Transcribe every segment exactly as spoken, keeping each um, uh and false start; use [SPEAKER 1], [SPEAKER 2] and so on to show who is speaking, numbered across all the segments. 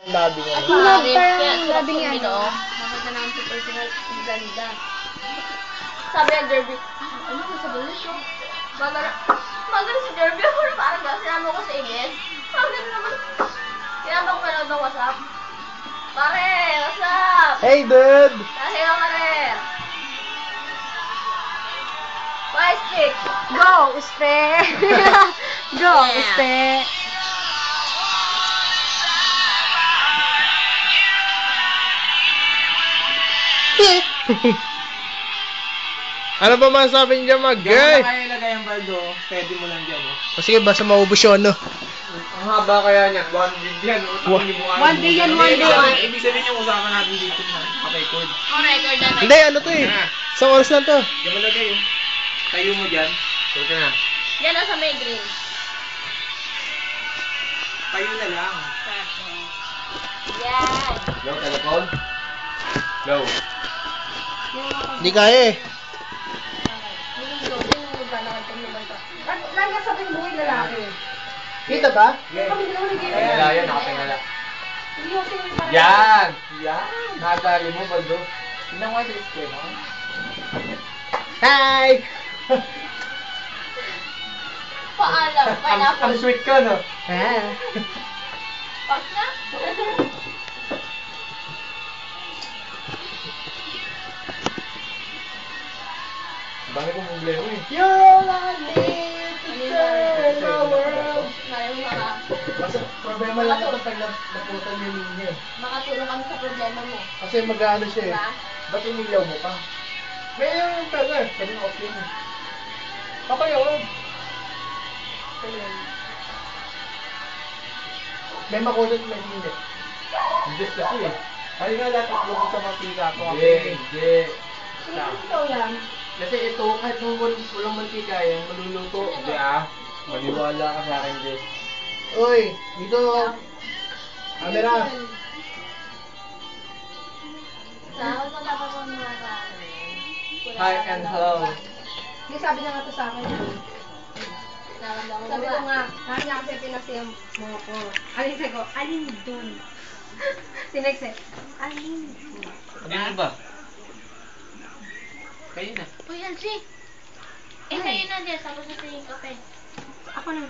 [SPEAKER 1] Labi nga.
[SPEAKER 2] At love
[SPEAKER 3] Kaya
[SPEAKER 2] parang
[SPEAKER 3] sarap
[SPEAKER 2] labi
[SPEAKER 3] yung
[SPEAKER 2] niya.
[SPEAKER 3] ginoo.
[SPEAKER 2] Ano?
[SPEAKER 3] Nakita namin sa personal, ang ganda. Sabi ng Derby, ano ko sabi niyo? Maganda, maganda si Derby. Ako na parang gano'n. Sinama ko sa Ines. Sabi na naman. Sinama ko manood ng WhatsApp. Pare, what's up?
[SPEAKER 1] Hey, dude!
[SPEAKER 3] Nahiya ka rin. Bye, stick.
[SPEAKER 2] Go, uste! Go,
[SPEAKER 3] Yeah.
[SPEAKER 2] uste!
[SPEAKER 1] Ano ba masasabi niyo dyan, mag?
[SPEAKER 4] Diyan mo
[SPEAKER 1] Gay!
[SPEAKER 4] na kaya ilagay ang baldo. Pwede mo lang dyan, oh.
[SPEAKER 1] O sige, basta maubos yun, no?
[SPEAKER 4] Ang haba kaya niyan. One gig yan, oh.
[SPEAKER 1] Wa-
[SPEAKER 4] Hindi mo kaya
[SPEAKER 2] One day yan,
[SPEAKER 4] Hindi,
[SPEAKER 2] one
[SPEAKER 4] ibig
[SPEAKER 2] day.
[SPEAKER 4] sabihin- Ibig sabihin yung usapan natin dito na naka-record.
[SPEAKER 3] On record na tayo.
[SPEAKER 1] Hindi, ano to eh. Isang oras lang to.
[SPEAKER 4] Diyan mo lagay, oh. Tayo mo dyan. Sorry na.
[SPEAKER 3] Yan ang sa may green.
[SPEAKER 4] Tayo na lang.
[SPEAKER 3] Yan.
[SPEAKER 4] Low, telephone. Low.
[SPEAKER 1] Hindi kaya eh.
[SPEAKER 2] Lagi sabi mo yung lalaki.
[SPEAKER 1] Kita ba?
[SPEAKER 2] Kami dalawa nag-iwan.
[SPEAKER 4] Wala yan, nakatingala.
[SPEAKER 2] Hindi ako sa'yo parang-
[SPEAKER 4] Yan! Yan! Nakadali mo, baldo. Tignan mo nga sa screen, oh.
[SPEAKER 1] Hi!
[SPEAKER 3] Paalam.
[SPEAKER 4] Ang, ang
[SPEAKER 3] Pineapple.
[SPEAKER 4] sweet ko, no?
[SPEAKER 1] Ah.
[SPEAKER 3] Pak na.
[SPEAKER 4] Ang dami kong problema, eh.
[SPEAKER 1] You're all I need to turn the world.
[SPEAKER 3] Ngayon mga
[SPEAKER 1] Kasi problema lang ito pag nap- naputan yung linya eh.
[SPEAKER 3] makatulong kami sa problema mo.
[SPEAKER 1] Kasi mag-ano siya eh.
[SPEAKER 3] Diba?
[SPEAKER 4] Ba't inilaw mo pa?
[SPEAKER 1] May yung pala eh.
[SPEAKER 4] Kanina off yun, eh.
[SPEAKER 1] Okay, oh.
[SPEAKER 3] Ayun.
[SPEAKER 1] May makulat may hindi.
[SPEAKER 4] Hindi kasi, eh. Ay nga, lahat ng lumot sa mantika ko.
[SPEAKER 1] Hindi,
[SPEAKER 4] hindi.
[SPEAKER 2] Ikaw lang.
[SPEAKER 4] Kasi ito, kahit nung wal- walang mantika yan, maluluto. Hindi ah. Maniwala ka sa akin, Jess.
[SPEAKER 1] Uy, dito. Camera.
[SPEAKER 3] Sa ako sa dapat mo mga ka.
[SPEAKER 4] Hi and hello.
[SPEAKER 2] Hindi sabi niya nga to sa akin.
[SPEAKER 3] Naramdaman mo
[SPEAKER 2] Sabi
[SPEAKER 3] ba?
[SPEAKER 2] ko nga, sabi niya kasi pinasiya mo ko. Alin sabi ko, alin dun? Sinex eh, alin dun?
[SPEAKER 4] Ano ba? Kayo na.
[SPEAKER 3] Uy, Alci. Eh, sa'yo na, Jess. Ako sa tingin kape.
[SPEAKER 2] Ako na.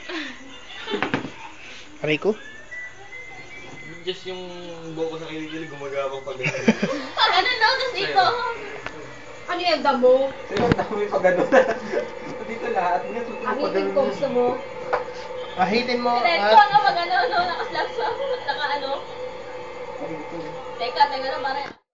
[SPEAKER 1] Aray ko.
[SPEAKER 4] Just yung buko sa kiligil gumagabang pag gano'n.
[SPEAKER 3] Pag ano daw, tas dito.
[SPEAKER 2] Ano yan, damo?
[SPEAKER 4] Sino ang dami pag gano'n? Dito lahat. Nga, tutuloy
[SPEAKER 2] Ang
[SPEAKER 4] pag
[SPEAKER 2] itin
[SPEAKER 4] gano'n.
[SPEAKER 2] ko gusto mo.
[SPEAKER 1] Ahitin mo
[SPEAKER 3] Diretso,
[SPEAKER 1] at...
[SPEAKER 3] ano, pag ano, no, nakaslap sa, naka ano. Teka, teka na, parang.